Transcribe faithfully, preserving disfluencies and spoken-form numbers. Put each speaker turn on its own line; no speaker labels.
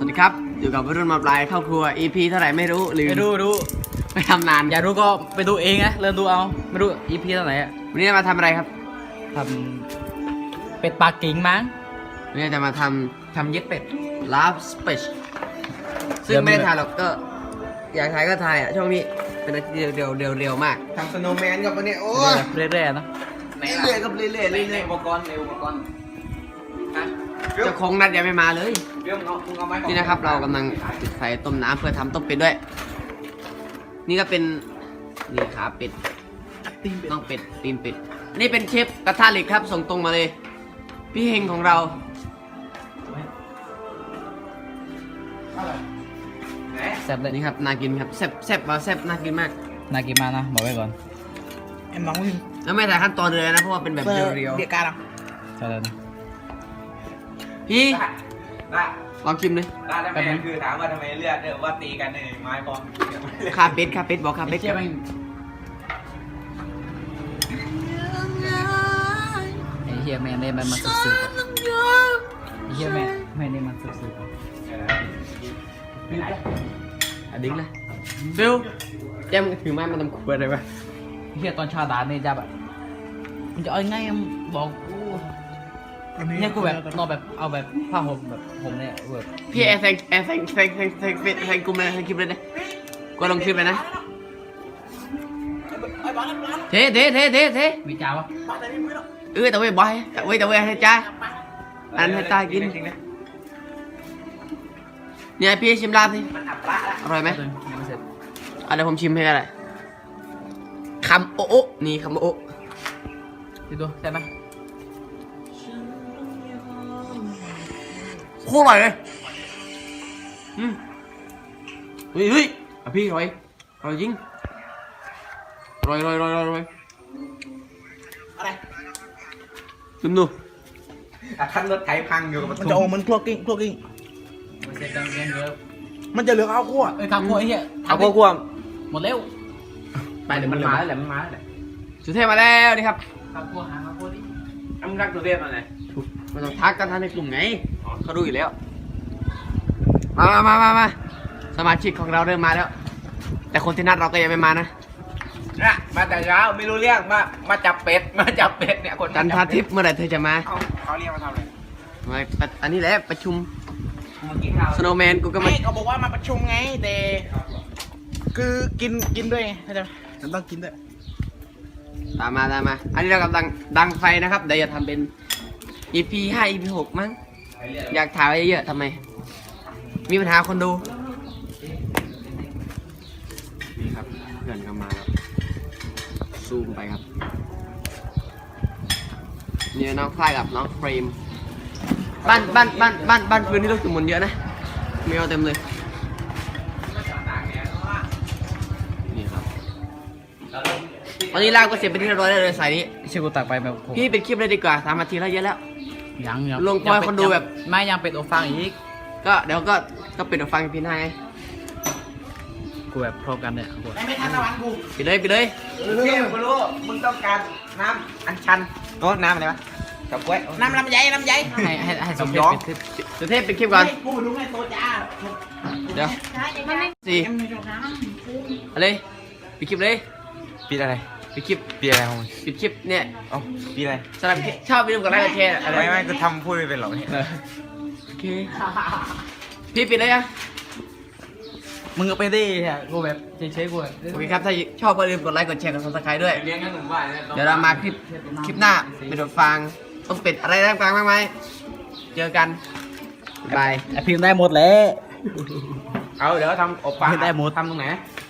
วัสดีครับอยู่กับวัยรุ่นมาปลายครอบครัว อี พี เท่าไหร่ไม่รู้หรือ
ไม่รู้รู้
ไปทำนาน
อยากรู้ก็ไปดูเองนะเริ่มดูเอาไม่รู้ อี พี เท่าไหร่อะ
วันนี้จะมาทำอะไรครับ
ทำเป็ดปากกิ่งมั้ง
วันนี้จะมาท
ทำเย็ดเป็ด
ำ Love Speech ซึ่งไม่ได้ถ่ายหรอกก็ อยากถ่ายก็ถ่ายอ่ะช่วงนี้เป็นอาทิตย์เดียวเดียวเดียวมากทำสโนว์แมนกับวันนี้โอ้ย
เรื่อยๆเนอะ
เรื่อยๆกับเรื่อยๆเรื่อยๆเรื่อย
อุปกรณ์ในอุปกรณ์ฮะ
ๆเจ้าของนัดยังไม่มาเลย
เรื่องเอามึงเอาไม้
นี่นะครับเรากำลังจุดไฟต้มน้ำเพื่อทำต้มเป็ดด้วย นี่ก็เป็นนี่ขาเป็ดน้องเป็ดตีนเป็ดนี่เป็นเชฟกระทะเหล็กครับส่งตรงมาเลย พี่เฮงของเรา
แซ่บเลย
นี่ครับน่ากินครับแซ่บแซ่บว่าแซ่บน่ากินมาก
น่ากินมากนะบอกไว้ก่อน
em nóng lên
แล้วไม่ถ่ายขั้นตอนเลยนะเพราะว่าเป็นแบบเรียว
địa ca nào
ใช่เลยนะ
ๆพี่
ได้
ลองชิมเลย
ได้ทำไมคือถามว่าทำไมเลือดเนี่ยว่าตีกันในไม้บอล
คาเป็ดคาเป็ดบอกคาเป็ด
เชี่ยแม่งไอ้เฮียแม่งได้มันมาสืบๆอะไอ้เฮียแม่งแม่งได้มันสืบๆอะ
อ่ะดิ้งเลยฟิลแจมถือไม้มาทำครัวอะไรวะ
ไอ้เฮียตอนชาดานเนี่ยจะแบบมันจะเอาง่ายๆบอกกูเนี่ยกูแบบนอนแบบเอาแบบผ้าห่มแบบผมเนี่ยแบบ
พี่แอร์แซงแอร์แซงแซงแซงแซงแซงกลุ่มเลยแซงคลิปเลยนะก็ลงคลิปเลยนะเทเทเทเทเท
มีจ้าวะ
เออแต่เว้ยบอยแต่เว้ยแต่เว้ยให้จ้าอันให้ตากินเนี่ยพี่ชิมลาบสิ
มันอับปะละ
อร่อยไหม
ยังไม่เสร็จ
อ่ะเดี๋ยวผมชิมให้ก็ได้คำโอะโอะนี่คำโอะโอะ
ดูดูใช่ไหม
โคตรอร่อยเลยอืมเฮ้ยเฮ้ยอ่ะพี่อร่อยอร่อยจริงอร่อยอร่อยอร่อยอร่อย
อะไร
ชิมดู
อ่ะท่านรถไถพังอยู่กับ
มันจะออกเหมันครัวกิ้งครัวกิ้ง
ไม่เสร็จยังยังเยอะ
มันจะเหลือข้าวคั่ว
เอ้ยทำพวกไอ้เหี้ย
เอาพวกควม
หมดเร็ว
ไปเดี๋ยว
มั
มัน น
มา
มา
แล้วแหละมันมาแล้วแหละ
สุเทพมาแล้วนี่ครับ
ทำพวกหาทำพวกนี้
อ้ำรักตัวเรียบอะไร
มันต้องทักกันทันในกลุ่มไงเขาดูอยู่แล้วมามามามามาสมาชิกของเราเริ่มมาแล้ว แต่คนที่นัดเราก็ยังไม่มานะ
นะมาแต่เช้าไม่รู้เรื่องมามาจับเป็ดมาจับเป็ดเนี่ยคน
จันทาทิพย์เมื่อไหร่เธอจะมา
เขาเขาเรียกมาทำอะไร
มาอันนี้แหละประชุม
มากินข้าว
สโนว์แมนกูก็มา
ไม่เขาบอกว่ามาประชุมไงแต่คือกินกินด้วยไงเข้าใจไหมมันต้องกินด้วย
ตามมาตามมา อันนี้เรากำลังดังไฟนะครับเดี๋ยวจะทำเป็น อี พี ห้า อี พี หกมั้งอยากถ่ายไว้เยอะๆทำไม มีปัญหาคนดูนี่ครับเพื่อนก็มาครับซูมไปครับเนี่ยน้องคลายกับน้องเฟรมบ้านบ้านบ้านบ้านบ้านพื้นที่ลูกสมุนเยอะนะมีเอาเต็มเลยนี่ครับตอนนี้ลากก็เสร็จเป็นที่เรียบร้อยแล้วเลยสายนี้
ชื่อกูตักไปแบบผม
พี่เป็นคลิปเลยดีกว่าสามนาทีแล้วเยอะแล้ว
ยังยัง
ลงปล่อยคนดูแบบ
ไม่ยังเป็นโอฟังอีก
ก็เดี๋ยวก็ก็ปิดหูฟังพี่นาย
กูแบบพร้อมกันเนี่ยกู
ไม่ทันตะวันกู
ปิดเลยปิดเลย
เที่ยวกูรู้มึงต้องการน้ำอัญชันโอ้น้ำอะไรวะกับกล้วย
น้ำลำไยลำไย
ให้ให้ให้สมเด็จ
ย้อม
เป็นทิพย์
สุเทพปิดคลิปก่อน
กูรู้ไงโตจ้า
เดี๋ยวสี่อะไรปิดคลิปเลย
ปีอะไร
ปิดคลิป
ปีอะไรของมึง
ปิดคลิปเนี่ย
เอ้าปีอะไร
สำหรับชอบวิดีโอกับไลค์กับแชร์อะไร
ไม่ไม่กูทำพูดไม่เป็นหรอกเนี่ย
โอเคพี่ปิดเลยอ่ะ
มึงก็ไปดิฮะกูแบบเฉยๆกูแบบ
โอเคครับถ้าชอบก็อย่าลืมกดไลค์กดแชร์กดซับสไครต์ด้วย
เลี้ยงกันหนุ่มบ้านเนี่ย
เดี๋ยวเรามาคลิปคลิปหน้าเป็นดฟังต้องเป็ดอะไรต่างๆมากมายเจอกันบ๊ายบาย
ไอพิมพ์ได้หมดแล้ว
เอาเดี๋ยวทำอบปลา
ได้หมด
ทำตรงไหน